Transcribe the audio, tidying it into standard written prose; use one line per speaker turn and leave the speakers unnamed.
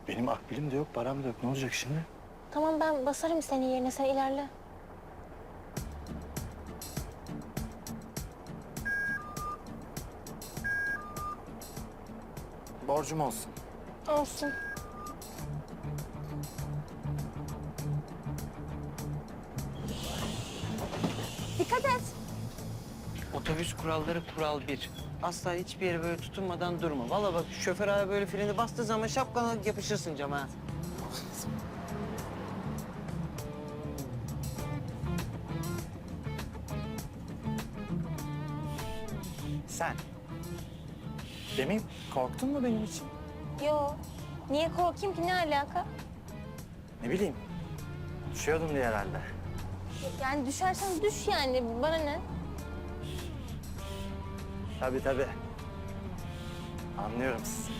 Benim akbilim de yok, param da yok. Ne olacak şimdi?
Tamam ben basarım senin yerine, sen ilerle.
Borcum olsun.
Olsun. Dikkat et.
Otobüs kuralları kural 1. Asla hiçbir yere böyle tutunmadan durma. Vallahi bak şoför abi böyle freni bastığı zaman şapkana yapışırsın cama. Ha.
Sen. Demin korktun mu benim için?
Yo. Niye korkayım ki, ne alaka?
Ne bileyim. Düşüyordum diye herhalde.
Yani düşersen düş yani, bana ne?
Tabii tabii. Anlıyorum sizi.